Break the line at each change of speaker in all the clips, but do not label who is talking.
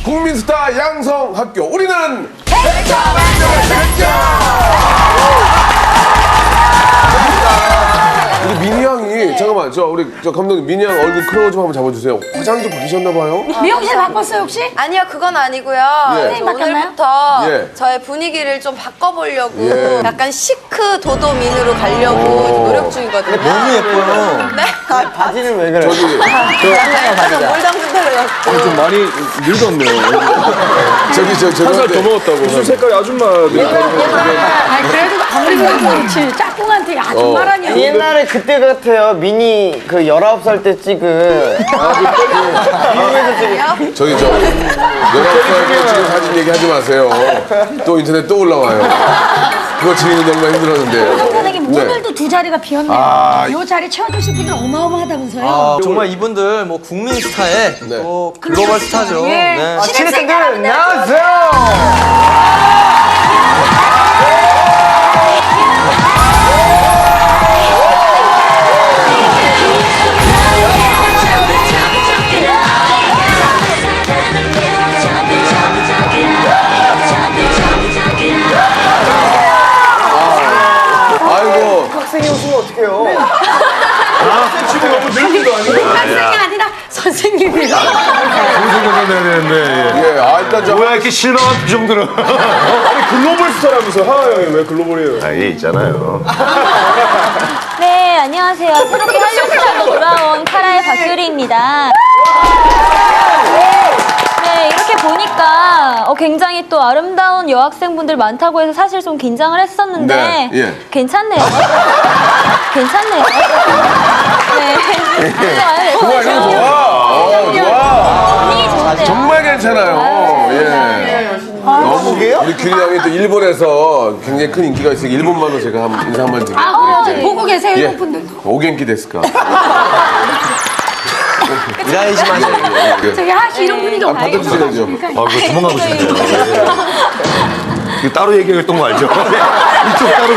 국민스타 양성학교 우리는 우리 민희 양이 잠깐만 우리 감독님 민희 양 얼굴 클로즈 좀 한번 잡아주세요. 화장 좀 바뀌셨나봐요.
미용실 바꿨어요 혹시?
아니요, 그건 아니고요.
예.
오늘부터
예.
저의 분위기를 좀 바꿔보려고
예.
약간 시크 도도민으로 가려고 노력 중이거든요.
너무 예뻐요.
네?
바지는 왜 그래?
저기
약간 물 담근 대로 갖고.
좀 많이 늙었네요.
한살
더 먹었다고. 입술 색깔이 아줌마들.
아 그래도 아무리 그래도 그렇지 짝꿍한테 아줌마라니.
옛날에 그때 같아요. 미니 그 19살 때 찍은 미국에서 찍은
저기 19살 때 찍은 사진 얘기하지 마세요. 또 인터넷 또 올라와요. 그거 지우는 정말 힘들었는데.
간단하게 오늘도 두 자리가 비었네요. 이 자리 채워주실 분들 어마어마하다면서요.
정말 이분들 뭐 국민 스타의
네.
또 글로벌 스타죠.
예.
네.
신입생들
아이고.
학생이 웃으면 어떡해요?
지금 너무 늙기도 아니고.
학생이 아니라 선생님이요.
방송국에 내야 되는데.
예, 일단
뭐야 이렇게 실망한 표정들은. 아니 글로벌 스타라면서 하하 형이 왜 글로벌이에요?
아예 있잖아요.
네, 안녕하세요. 새롭게 한류스타로 돌아온 카라의 박효리입니다. 네, 이렇게 보니까 굉장히 또 아름다운 여학생분들 많다고 해서 사실 좀 긴장을 했었는데
네, 예.
괜찮네요. 괜찮네요. 네.
좋아, 이거 좋아. 좋아.
분위기 좋은데요.
정말 괜찮아요. 예. 너무 우리 규리 형이 또 일본에서 굉장히 큰 인기가 있으니까 일본말로 제가 인사 한번 드릴게요.
아 그래요. 보고 계세요
예.
일본 분들도.
오겐키 데스까?
이라이지 마세요.
저기 하시 이런 분위기 없나요?
받아주셔야죠.
그거 도망가고 싶네요. 이거 따로 얘기했던 거 알죠? 이쪽 따로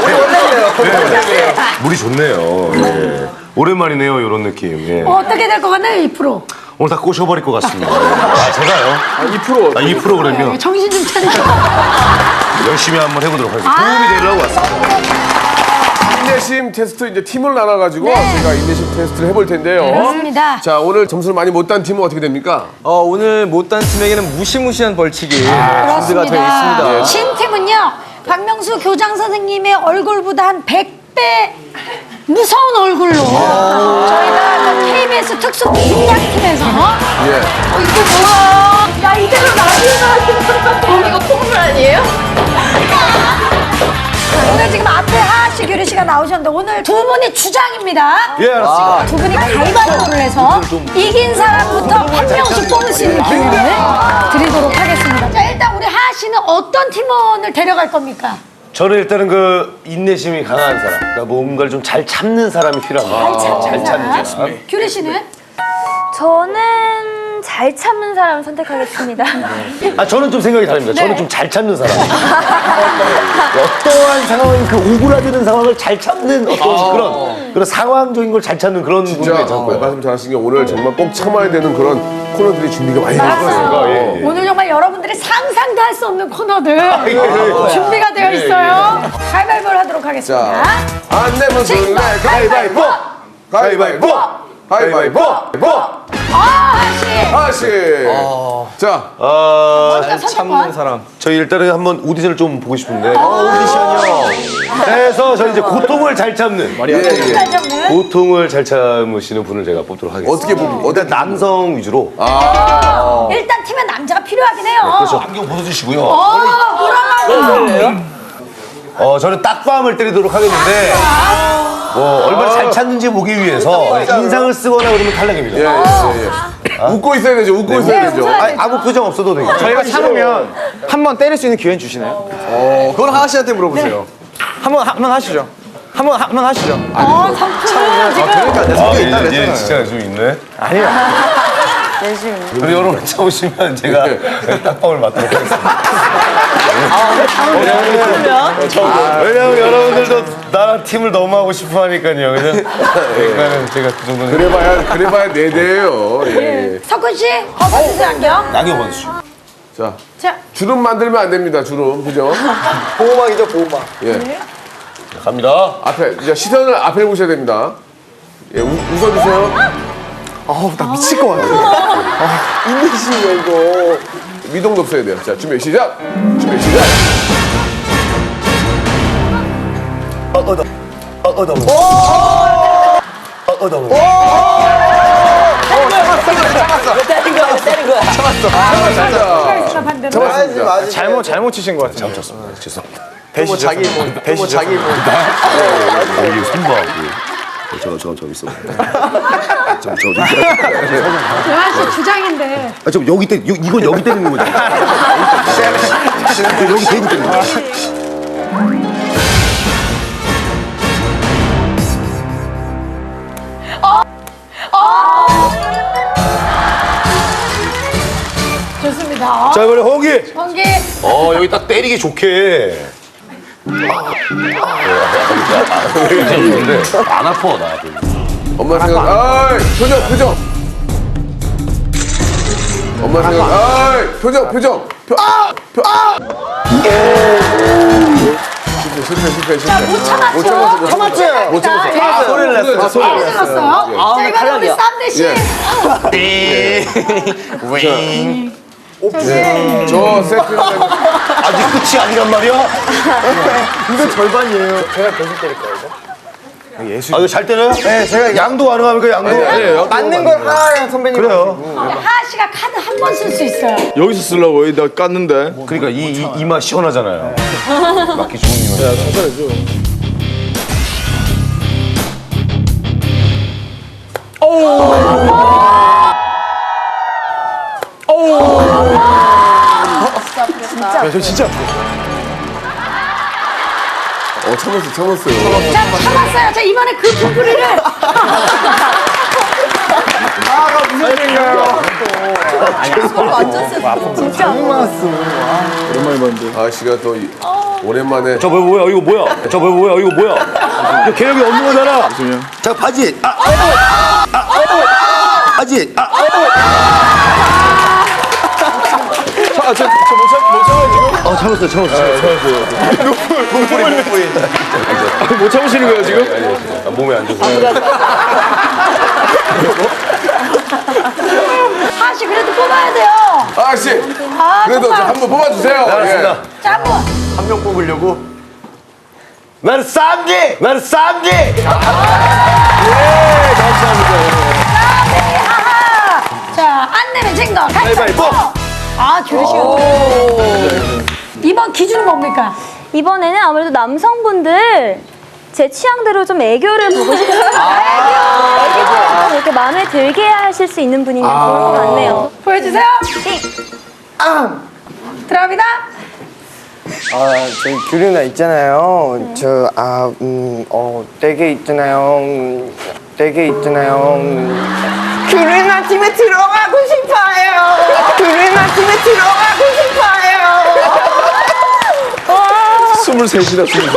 물이 좋네요. 예. 오랜만이네요, 이런 느낌. 예.
어떻게 될 것 같나요 2%?
오늘 다 꼬셔버릴 것 같습니다. 아, 제가요?
2%.
2% 그러면
정신 좀 차리고.
열심히 한번 해보도록 하겠습니다. 도움이 되려고 왔습니다.
인내심 테스트 이제 팀을 나눠가지고 제가 인내심 테스트를 해볼 텐데요.
그렇습니다.
자, 오늘 점수를 많이 못 딴 팀은 어떻게 됩니까?
오늘 못단 팀에게는 무시무시한 벌칙이 준비가 되어 있습니다.
신팀은요 박명수 교장 선생님의 얼굴보다 한 100배 무서운 얼굴로 저희가 그 KBS 특수 민약팀에서
예.
이게 뭐야? 야 이대로 나중에 이거 콧물 아니에요? 오늘 지금 앞에 하하씨, 규리씨가 나오셨는데 오늘 두 분이 주장입니다.
예, 알았습니다.
두 분이 가위바위보를 해서 이긴 사람부터 한 명씩 뽑을 수 있는 기회를 드리도록 하겠습니다. 자 일단 우리 하하씨는 어떤 팀원을 데려갈 겁니까?
저는 일단은 그 인내심이 강한 사람, 그러니까 뭔가를 좀 잘 참는 사람이 필요합니다. 잘 참는 사람.
규리씨는?
저는 잘 참는 사람을 선택하겠습니다.
아, 저는 좀 생각이 다릅니다. 저는
네.
좀 잘 참는 사람. 어떠한 상황인 그 오그라드는 상황을 잘 참는 어떤 그런 상황적인 걸 잘 참는 그런 분이
진짜
괜찮고요.
말씀 잘하신 게 오늘 정말 꼭 참아야 되는 그런 코너들이 준비가 많이 되어 있어요.
예, 예.
오늘 정말 여러분들이 상상도 할 수 없는 코너들 준비가 되어 있어요. 가위바위보를 하도록 하겠습니다.
자, 안내면 술래 가위바위보! 가위바위보! 가위바위보!
하하씨
하씨! 자,
먼저
참는
선택권.
사람.
저희 일단은 한번 오디션을 좀 보고 싶은데. 오디션이요? 그래서 저희 이제 고통을 잘 참는.
잘 잡는.
고통을 잘 참으시는 분을 제가 뽑도록 하겠습니다.
어떻게 보면,
일단 남성 위주로.
일단 팀에 남자가 필요하긴 해요.
그렇죠. 안경 벗어주시고요.
뭐라고?
저는 딱밤을 때리도록 하겠는데. 얼마나 잘 찾는지 보기 위해서 인상을 쓰거나 그러면 탈락입니다.
예. 웃고 있어야 되죠, 웃고 있어야 되죠.
아무 표정 없어도 되겠죠.
저희가 참으면 한 번 때릴 수 있는 기회는 주시나요? 그건 하하 씨한테 물어보세요. 한번 하시죠. 한번 하시죠.
상품은 지금
그러니까 내 성격 있다
예,
그랬잖아요.
진짜 좀 있네.
아니요.
그리고 여러분 참으시면 제가 딱밤을 맞도록 하겠습니다. 왜냐면 여러분들도 나랑 팀을 너무 하고 싶어 하니까요. 그러니까 제가 그 정도는.
그래봐야 4대예요. 예.
석훈 씨, 어서 주세요 안경.
낙엽 원수.
자,
자,
주름 만들면 안 됩니다. 주름, 그죠?
보호막이죠, 보호막.
예.
갑니다.
앞에, 이제 시선을 앞에 보셔야 됩니다. 예, 웃어주세요.
아우, 나 미칠 것 같아. 인내심이야, 이거.
미동도 없어야 돼요. 자, 준비 시작. 준비 시작.
자, 반대로.
잡았습니다.
잘못 치신 것 같아요.
잘못 죄송합니다.
배시죠. 자기 뭐, 배시죠. 자기 뭐.
이게 손봐하고. 저 있어.
대화 씨 주장인데.
저 여기 때 이건 여기 때리는 거죠. 여기 대고 때리는 거.
좋습니다.
자 이번에 홍기.
홍기.
여기 딱 때리기 좋게. 안 아파 나.
엄마 생각, 아이, 표정. 엄마 생각, 아이, 표정. 실패.
자, 못 참았죠?
못 참았어.
자,
소리를 냈어요.
소리를 질렀어요. 자, 이번엔 우리 쌈대 씨.
저 세트.
아직 끝이 아니란 말이야?
이거 절반이에요. 제가 계속 때릴 거예요. 예술.
이거 잘 때려요?
네, 제가
양도 가능합니까 양도?
맞는 걸 하야 선배님.
그래요.
하하 씨가 카드 한 번 쓸 수 있어요.
여기서 쓰려고 나 깠는데.
그러니까 이맛 시원하잖아요. 맞기 좋은 이맛. 야,
천천해줘.
저 진짜.
참았어요.
자, 참았어요. 자, 이번에 그 부풀이를.
아가 무슨 일인가요?
완전 셌어.
진짜.
오랜만에 봤는데.
아씨가 또 오랜만에.
저 뭐야 이거 뭐야? 저 뭐야 이거 뭐야? 이거 개혁이 없는 거잖아. 자 바지. 바지.
참았어요. 못 참으시는 거예요 지금?
몸에 안 좋아.
하하 씨, 그래도 뽑아야 돼요.
아씨, 그래도
정말.
한번 뽑아주세요.
알았습니다.
자, 한 번.
한 명 뽑으려고.
나는 쌈지.
하하. 자, 안 내면 진거 가위바위보. 아, 줄으시오. 이번 기준은 뭡니까?
이번에는 아무래도 남성분들 제 취향대로 좀 애교를 보고 싶어요. 애교를 좀 이렇게 마음에 들게 하실 수 있는 분이면 좋을 것 같네요.
보여주세요. 들어갑니다.
저희 규리 누나 있잖아요. 댁에 있잖아요. 규리 누나 팀에 들어가고 싶어요. 규리 누나 팀에 들어가고 싶어요.
23이다.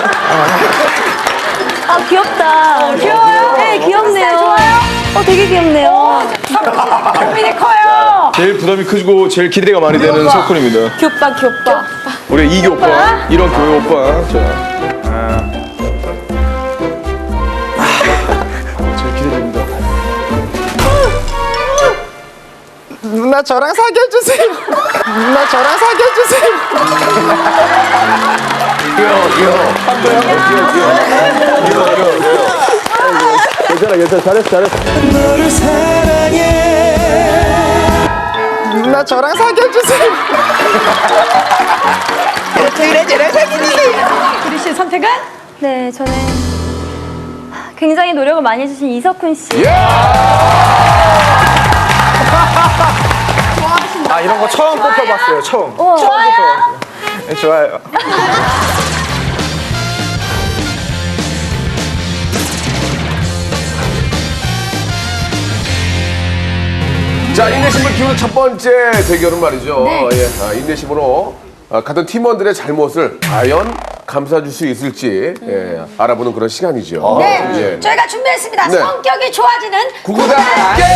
아, 귀엽다.
귀여워요?
네, 귀엽네요.
스타일 좋아요?
되게 귀엽네요.
고민이 커요.
제일 부담이 크고 제일 기대가 많이 되는 석훈입니다.
귀엽다.
우리 이기 오빠, 이런 교회 오빠. 자. 제일 기대됩니다.
누나 저랑 사귀어주세요. 누나 저랑 사귀어주세요.
귀여워.
괜찮아. 잘했어.
누나 저랑 사귀어주세요.
규리 씨의 선택은?
네, 저는 굉장히 노력을 많이 해주신 이석훈 씨.
아 이런 거 처음 뽑혀봤어요. 처음.
좋아요.
네, 좋아요.
자, 인내심을 키우는 첫 번째 대결은 말이죠.
네.
예, 인내심으로 같은 팀원들의 잘못을 과연 감싸줄 수 있을지 예, 알아보는 그런 시간이죠.
네,
예.
저희가 준비했습니다.
네.
성격이 좋아지는
구구단
성격이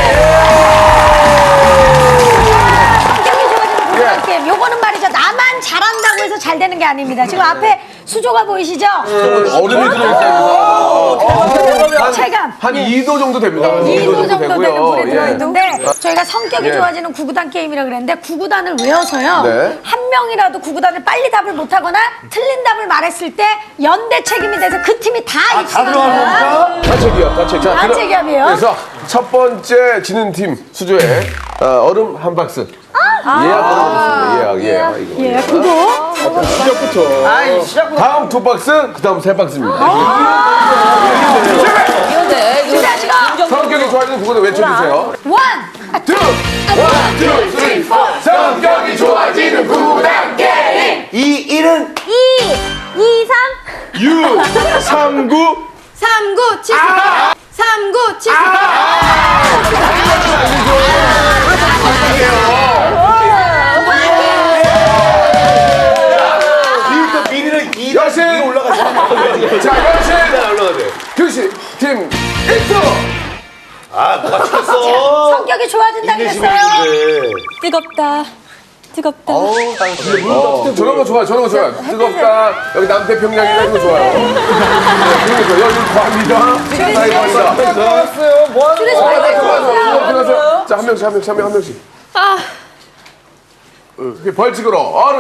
좋아지는 구구단
예.
게임. 요거는 말이죠. 나만 잘한다고 해서 잘 되는 게 아닙니다. 지금 앞에 수조가 보이시죠?
얼음이 들어있어요.
체감.
한 2도 정도 됩니다.
2도 정도 되는 물에
예.
들어있는데 저희가 성격이
예.
좋아지는 구구단 게임이라 그랬는데 구구단을 외워서요.
네.
한 명이라도 구구단을 빨리 답을 못하거나 틀린 답을 말했을 때 연대 책임이 돼서 그 팀이 다 입시는 거야.
다책이요, 다책. 자,
다책이요?
그래서 첫 번째 지는 팀 수조에 얼음 한 박스. 예약.
예, 그거.
다음 두 박스, 그 다음 세 박스입니다.
준비하시고
성격이 좋아지는 구구단 외쳐주세요.
원,
투, 원, 투, 쓰리, 포. 성격이 좋아지는 구구단 게임.
2, 1은
2, 3.
39
3974 3974
여신 올라가자. 자, 여신 교시 팀 1등.
성격이 좋아진다 그랬어요.
뜨겁다. 뜨겁다.
저런 거 좋아요. 저런 거 좋아요. 뜨겁다. 여기 남태평양이나 이런 거 좋아요. 그런 거 좋아요. 여기 과합니다.
좋았어요. 뭐 하는 거야?
자, 한 명씩. 벌칙으로 얼음.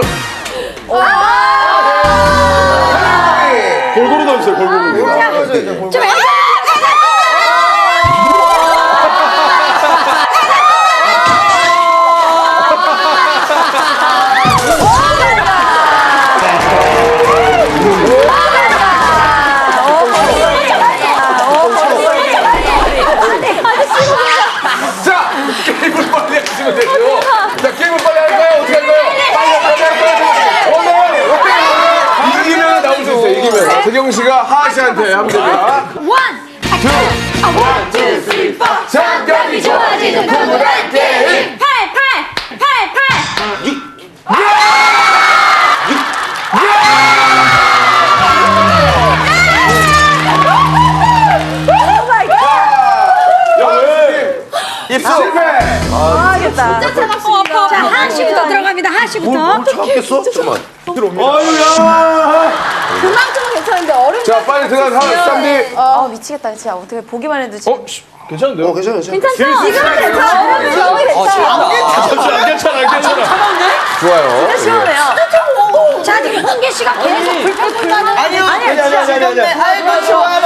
골고루 넣으세요. 골고루.
좀
자, 게임을 빨리 하시면 되죠. 자, 게임을 빨리 할까요? 어떻게 할까요? 빨리. 이기면 나올 수 있어요. 이기면. 재경 씨가 하하 씨한테 하면 됩니다.
원, 투, 쓰리, 포. 성격이 좋아지는 구구단 게임.
8, 8.
입수 실패.
자, 하씨부터 들어갑니다. 하씨부터.
참겠어? 잠깐만.
아유야.
그만큼은 괜찮은데 얼음
자, 빨리 들어가서 쌈디.
아 미치겠다 진짜 어떻게 보기만 해도 지금
괜찮은데요?
괜찮아.
지금은 괜찮아 얼음이 너무 괜찮아
좋아요.
시원해요
자, 지금 홍계 씨가 계속 불평불만을.
아니요. 아니.
아이고 좋아라.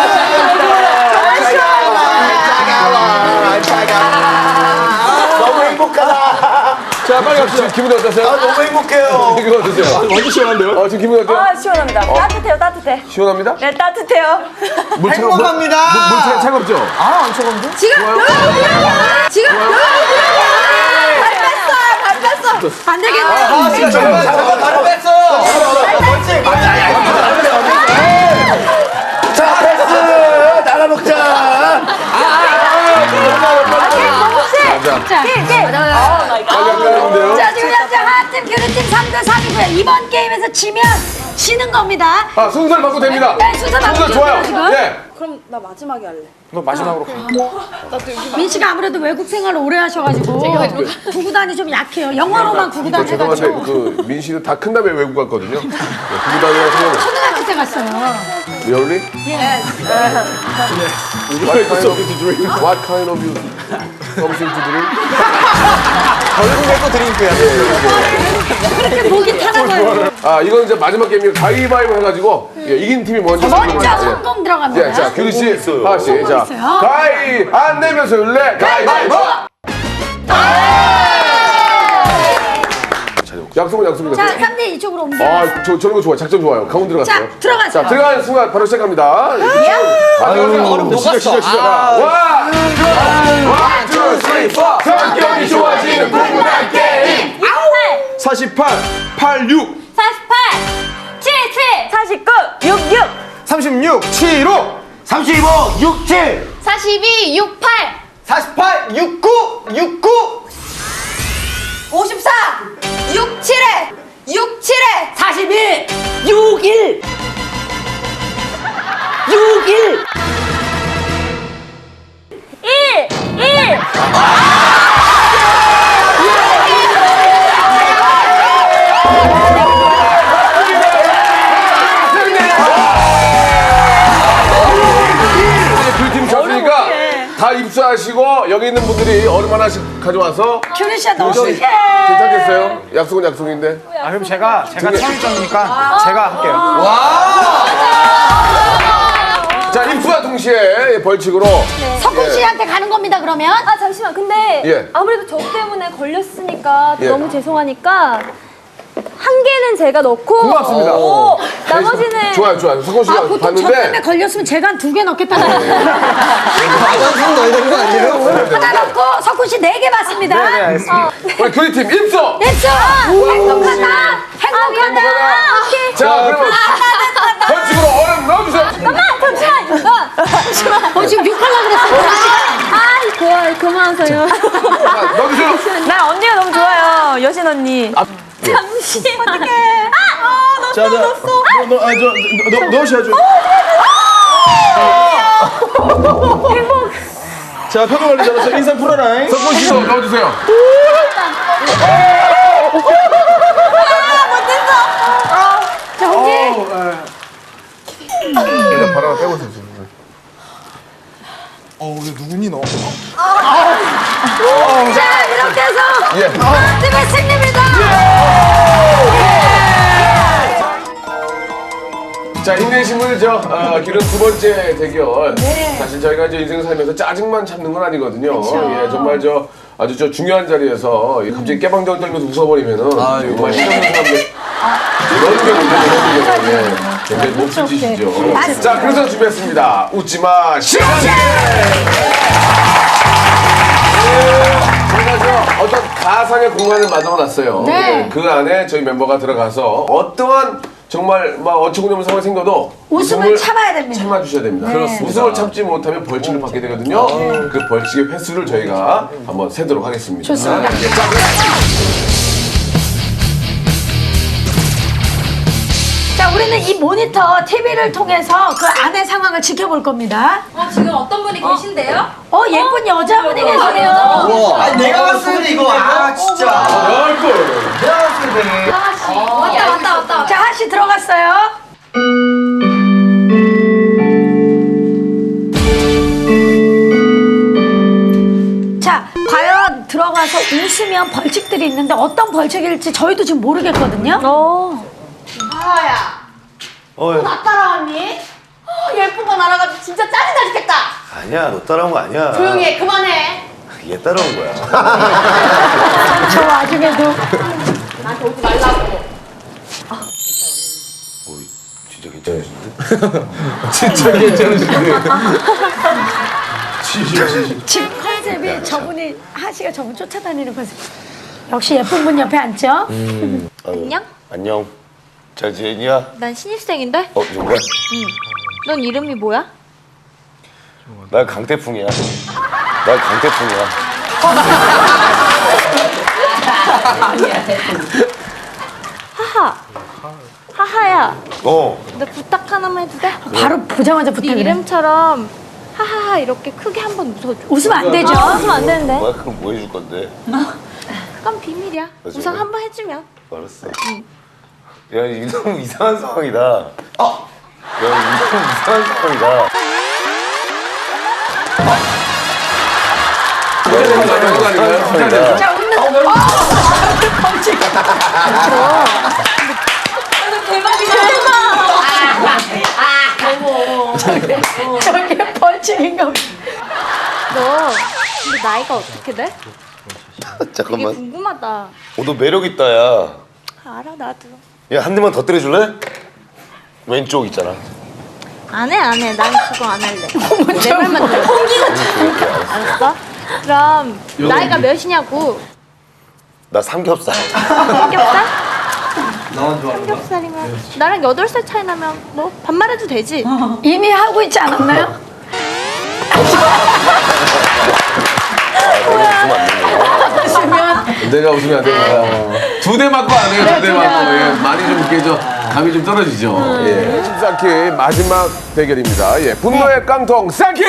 너무 행복하다.
자, 빨리 갑시다. 기분이 어떠세요?
너무 행복해요.
기분 어떠세요?
완전 시원한데요?
지금 기분이 어때요?
아, 시원합니다. 따뜻해요, 따뜻해.
시원합니다?
네, 따뜻해요.
행복합니다.
물 차갑죠?
지금 발 뺐어
안 되겠네.
하하씨가 잠깐만 바로 뺐어요.
자, 패스. 나가 먹자.
자, 지금 현재 하팀, 교류팀 3대 3이고요. 이번 게임에서 지면 지는 겁니다.
아, 순서를 바꿔도 됩니다.
네, 순서 바꾸죠,
좋아요.
지금.
예.
그럼 나 마지막에 할래
너 마지막으로 가.
민 씨가 아무래도 외국 생활을 오래 하셔가지고 구구단이 좀 약해요. 영어로만 구구단
죄송한데
해가지고
그 민 씨는 다 큰 다음에 외국 갔거든요. 구구단이랑 생각.
초등학교 때 갔어요.
Really? What kind of you? Something to drink?
결국에 또 드링크야.
그렇게 목이 타나봐요.
아, 이건 이제 마지막 게임이에요. 가위바위보 해가지고 이긴 팀이 먼저.
먼저 성공 들어갑니다.
자, 규리 씨, 하하 씨, 자,
있어요.
가위 안 내면서 율래 가위바위보. 약속입니다.
자, 3대 이쪽으로 옮겨.
저런 거 좋아요. 작전 좋아요. 가운데 들어갔어요.
자, 들어가세요.
자, 들어가는 순간 바로 시작합니다.
얼음 녹았어.
시작. 원, 투, 쓰리, 포. 성격이 좋아지는 구구단 게임.
48 86
48, 77, 49, 66,
36, 75,
35, 67.
42 68
48, 69, 69.
54 67에 6, 7에
41, 61, 61.
1.
그팀 졌으니까 다 입수하시고 여기 있는 분들이 얼음 하나씩 가져와서
규리 씨한테 어떻게?
괜찮겠어요? 약속은 약속인데.
아 그럼 제가 처음이니까 제가 할게요.
자, 입수와 동시에 벌칙으로
석훈 씨한테 가는 겁니다, 그러면.
아 잠시만. 근데
예.
아무래도 저 때문에 걸렸으니까
예.
너무 죄송하니까 한 개는 제가 넣고
고맙습니다.
나머지는
좋아요. 석훈 씨가
보통 저 때문에
봤는데
걸렸으면 제가 한 2개 넣겠다는 거예요.
화장품 넣어야 되는 거 아니에요?
하나 넣고 석훈 씨 4개 받습니다.
네, 알겠습니다.
우리 규리팀 입수!
됐죠? 행복하다. 행복하다.
자, 그러면 벌칙으로 얼음 넣어주세요.
지금 6하려고 그랬어요.
좋아요. 그만하세요.
자, 넣어주세요.
난 언니가 너무 좋아요. 여신 언니. 잠시. 어떡해.
자, 넣으셔야죠. 자, 평가 관리자로서 인상 풀어라.
석훈 씨도 넣어주세요.
자, 언니.
일단 바로 빼고 있어요. 지금.
왜 누구니 너?
자, 이렇게 해서
예.
팀의 승리입니다.
자, 인내심을 기른 두 번째 대결. 사실 저희가 이제 인생을 살면서 짜증만 참는 건 아니거든요. 예, 정말 아주 중요한 자리에서 갑자기 깨방정 떨면서 웃어버리면은 정말 싫어하는 사람들 너무 문제죠. 예, 굉장히 몹쓸 짓이죠. 자, 그래서 준비했습니다. 웃지마 시원하게. 저희가 어떤 가상의 공간을 만들어놨어요.
네.
예, 그 안에 저희 멤버가 들어가서 어떠한 정말 막 어처구니없는 상황이 생겨도
웃음을 참아야 됩니다.
참아주셔야 됩니다.
그렇습니다.
웃음을 참지 못하면 벌칙을 받게 되거든요. 그 벌칙의 횟수를 저희가 한번 세도록 하겠습니다.
좋습니다.
예, 자,
자, 우리는 이 모니터 TV를 통해서 그 안의 상황을 지켜볼 겁니다.
지금 어떤 분이 계신데요?
예쁜 여자분이 계시네요.
아니 내가 봤을 때 이거 진짜. 내가 봤을 때.
왔다.
자, 하씨 들어갔어요. 자, 과연 들어가서 웃으면 벌칙들이 있는데 어떤 벌칙일지 저희도 지금 모르겠거든요.
하하야. 나 따라왔니? 예쁜 거 날아가지고 진짜 짜증나 죽겠다.
아니야, 너 따라온 거 아니야.
조용히 해. 그만해.
얘 따라온 거야.
저 와중에도
나한테 오지 말라고.
진짜 괜찮으신데?
진짜 괜찮으신데.
지금 컨셉이 저분이 하씨가 저분 쫓아다니는 컨셉. 역시 예쁜 분 옆에 앉죠?
안녕?
안녕. 잘 지내냐?
난 신입생인데?
정말?
넌 이름이 뭐야?
난 강태풍이야. 난 강태풍이야.
하하야.
너
나 부탁 하나만 해도 돼?
바로 보자마자
네
부탁을 해.
이름처럼 하하하 이렇게 크게 한번 웃어줘.
웃으면 안 되죠?
웃으면 안 되는데.
뭐야? 그럼 뭐 해줄 건데?
그건 비밀이야.
맞아.
우선 한번 해주면.
알았어. 야, 이거 너무 이상한 상황이다. 야, 이거 너무 이상한 상황이다.
아닌가요?
자, 웃는 벌칙. 저게 벌칙인가 보다.
너 근데 나이가 어떻게 돼? 되게
잠깐만.
궁금하다.
너 매력 있다, 야.
알아 나도.
야, 한 대만 더 때려줄래? 왼쪽 있잖아.
안 해. 난 그거 안 할래. 내 말만 들어. 알았어? 그럼 나이가 몇이냐고.
나 삼겹살.
삼겹살? 삼겹살이면 나랑 8살 차이 나면 뭐 반말해도 되지.
이미 하고 있지 않았나요?
내가 웃으면 안 되는 거야.
하시면
내가 웃으면 안 됩니다. 두 대 맞고 안 해요, 두 대 맞고. 예, 많이 좀 이렇게 감이 좀 떨어지죠. 예. 심사키 마지막 대결입니다. 예, 분노의 깡통 쌍키!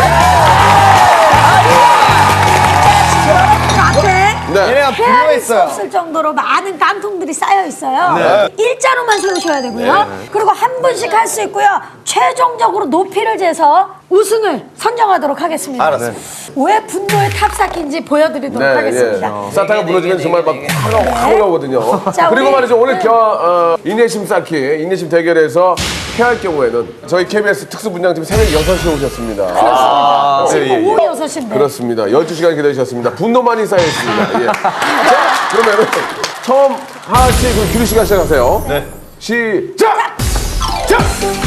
앞에
네.
얘네가
헤아릴 수
분노했어요.
없을 정도로 많은 깡통들이 쌓여 있어요. 일자로만 세우셔야 되고요. 그리고 한 분씩 할 수 있고요. 최종적으로 높이를 재서 우승을 선정하도록 하겠습니다.
알았습니다.
왜 분노의 탑쌓기인지 보여드리도록 하겠습니다.
사타가 무너지면 정말 막 화가 오거든요.
자,
그리고
우리-
말이죠, 오늘 인내심 쌓기, 인내심 대결에서 패할 경우에는 저희 KBS 특수분장팀 새벽 6시에 오셨습니다.
지금
예, 예.
오후 6시인데.
그렇습니다. 12시간 기다리셨습니다. 분노만이 쌓여있습니다. 예. 자, 그러면은 처음 하하 씨, 그 규리 씨가 시작하세요. 네. 시작! 자!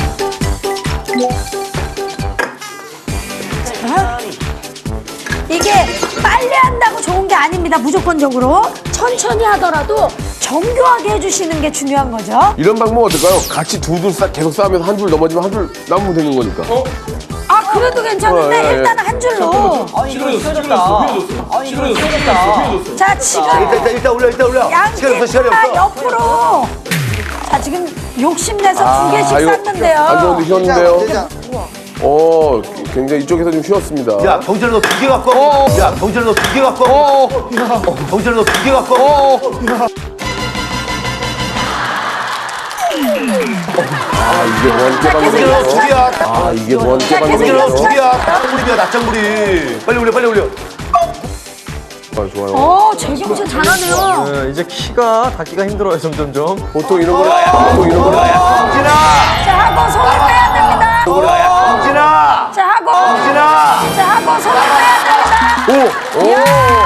이게 빨리 한다고 좋은 게 아닙니다. 무조건적으로. 천천히 하더라도 정교하게 해주시는 게 중요한 거죠.
이런 방법 어떨까요? 같이 계속 싸우면서 한 줄 넘어지면 한 줄 남으면 되는 거니까.
아, 그래도 괜찮은데
예, 예.
일단은 한 줄로. 자, 지금
일단 올려.
양팀 다 옆으로. 자, 지금 욕심내서 두 개씩 쌌는데요.
안 좋은데 휘었는데요. 굉장히 이쪽에서 좀 휘었습니다.
야, 경찰 너 2개 갖고 와. 야, 경찰 너 2개 갖고 와. 경찰 너 2개 갖고 와.
이게 뭐한 깨방정이에요? 이게 뭐한 깨방정이에요?
낮장물이야, 낮장물이. 빨리 올려.
좋아요.
재경씨 잘하네요.
이제 닿기가 힘들어요, 점점점.
보통 이런 거는
홍진아!
자, 하고 손을 빼야 됩니다.
홍진아!
자, 하고 손을 빼야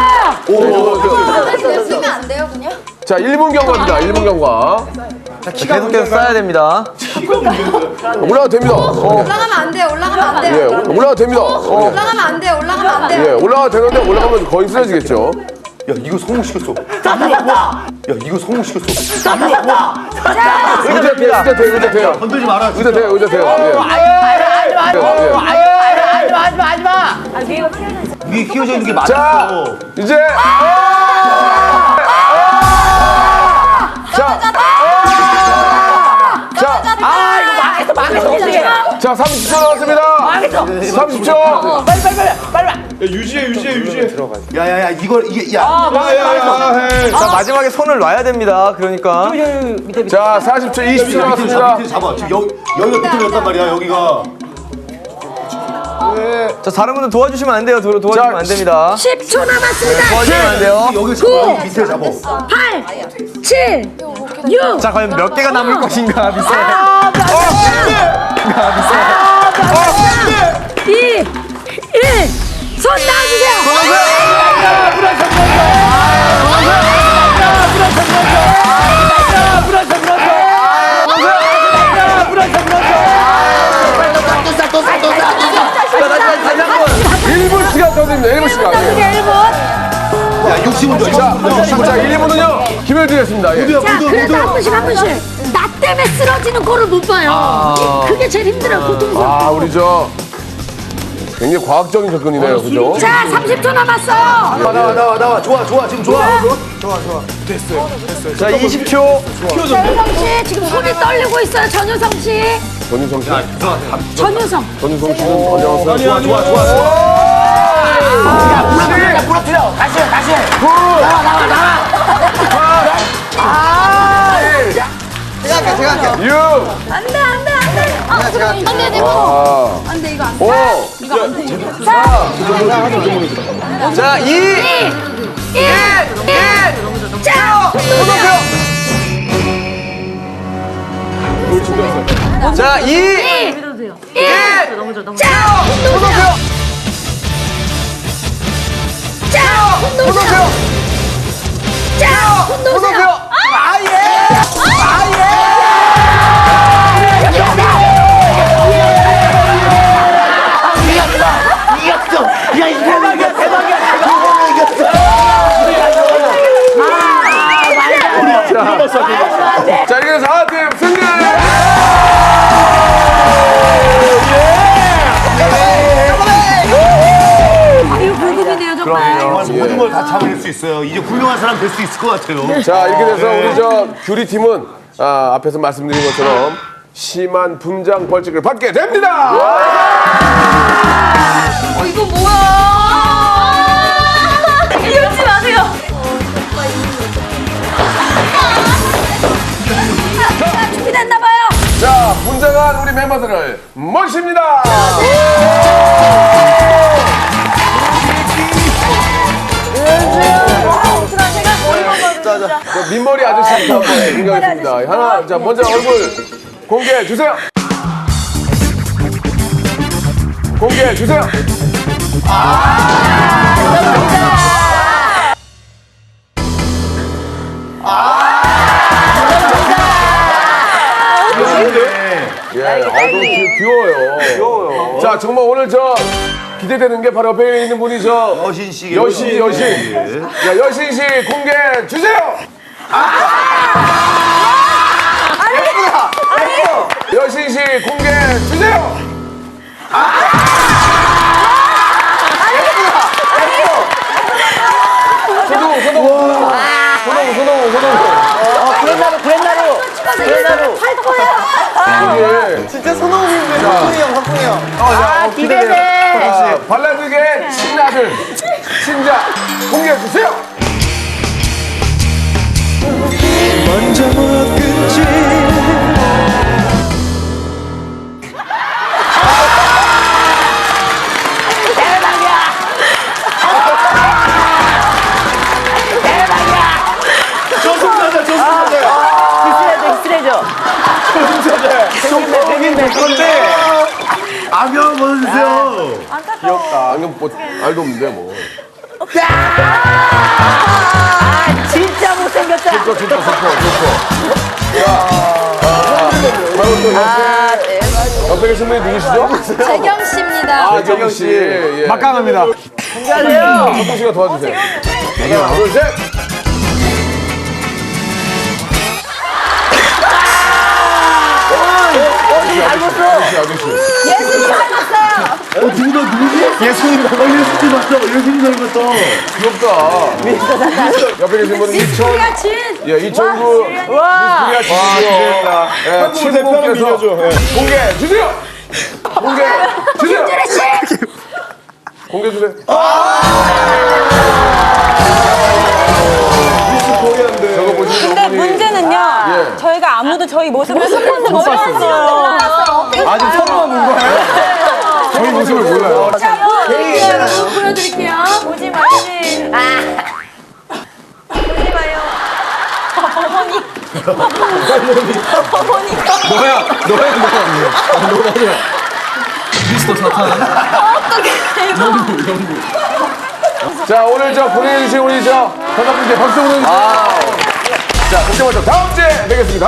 됩니다.
쓰면 안 돼요, 그냥?
자, 1분 경과입니다. 1분 경과.
계속해서 쌓아야 됩니다.
올라가도 됩니다.
올라가면 안 돼요, 올라가면 안 돼요.
예, 올라가도 됩니다.
올라가면 안 돼요, 올라가면 안 돼요.
예, 올라가도 되는데 올라가면 거의 쓰러지겠죠.
야, 이거 성공시켰어. 야, 이거 성공시켰어.
의자 돼요.
건들지 마라.
의자 돼요.
위에 끼워져 있는 게
자,
맞았어.
이제. 자, 30초 남았습니다. 30초.
유지해.
야야야, 이게 야.
자, 마지막에 손을 놔야 됩니다. 그러니까.
자, 40초, 20초 남았습니다.
밑에 잡아. 지금 여기가 비틀렸단 말이야. 여기가.
자, 다른 분들 도와주시면 안 돼요. 도와주시면 안 됩니다.
10초 남았습니다.
도와주시면 안 돼요.
여기 잡아. 여기 밑에 잡아.
8, 7, 6.
자, 과연 몇 개가 남을 것인가, 미세.
2, 1. 손 놔주세요.
다시 한 번.
1분 시간 더 드립니다. 1분 시간. 예.
1분.
야, 60분 줘.
자, 1분은요. 기회를 드리겠습니다. 예.
자, 그래도 한 분씩. 나 때문에 쓰러지는 꼴을 못 봐요. 그게 제일 힘들어요, 고통스럽고.
우리 굉장히 과학적인 접근이네요. 그죠?
자, 30초 남았어.
나와. 좋아. 지금 좋아.
자, 20초.
전유성 씨, 지금 손이 떨리고 있어요, 전유성 씨.
전유성 씨.
전유성.
전유성 씨는 안녕하세요.
좋아.
제가 할게요.
6,
안 돼. 안 돼, 안 돼, 이거 안 돼.
5,
자, 2.
1. 자,
자, 2.
1. 자, 손 놓으세요. 자, 손 놓으세요.
자, 이렇게 해서 하나팀 승리!
이거 불금이네요, 정말.
모든 걸 다 참을 수 있어. 있어요. 이제 훌륭한 사람 될 수 있을 것 같아요.
자, 이렇게 돼서 우리 저 규리 팀은 앞에서 말씀드린 것처럼 심한 분장 벌칙을 받게 됩니다.
이거 뭐야? 이러지 마세요.
준비됐나봐요.
자, 분장한 우리 멤버들을 모십니다. 저 민머리 아저씨부터 한번 공개하겠습니다. 하나, 자, 먼저 얼굴 공개해 주세요. 공개해 주세요. 예, 너무 귀여워요. 자, 정말 오늘 저 기대되는 게 바로 옆에 있는 분이 저
여신 씨.
여신. 야, 여신 씨 공개해 주세요. 여신 씨 공개해 주세요. 소동우.
진짜 손흥민인데 확풍이 형.
기대돼. 발라드계 친아들, 친자 공개해 주세요.
먼저 못 끊지
안경 벗으세요.
귀엽다. 안경 뭐 알도 없는데 뭐.
진짜 못생겼다.
좋고. 자, 바로 또 옆에 계신 분이 누구시죠?
재경 씨입니다.
아, 재경 씨. 예.
막강합니다.
석동 씨가 도와주세요. 하나, 둘, 셋. 아저씨.
예수님 맞다. 예수님 닮았다.
귀엽다. 옆에 계신 분은
우리가 진.
예, 2009 미스코리아 진이요. 예, 친구께서 공개 주세요. 공개 주세요.
김준혜 씨.
공개 주세요. 저거 보시는
근데
분이
문제는요.
예.
저희가 아무도 저희 모습을 못 봤어요.
아직 처음 본 거예요?
저희 모습을 몰라요.
자, 보여드릴게요.
보지 말지. 보지 마요.
너야. 미스터 사탄. 자, 오늘 저 보내주신 우리 저 현아분께 박수 보내주세요. 자, 그때부터 다음 주에 뵙겠습니다.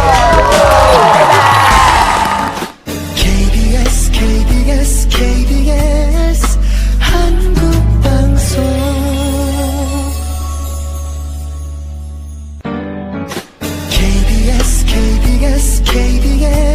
KBS KBS KBS 한국방송 KBS KBS KBS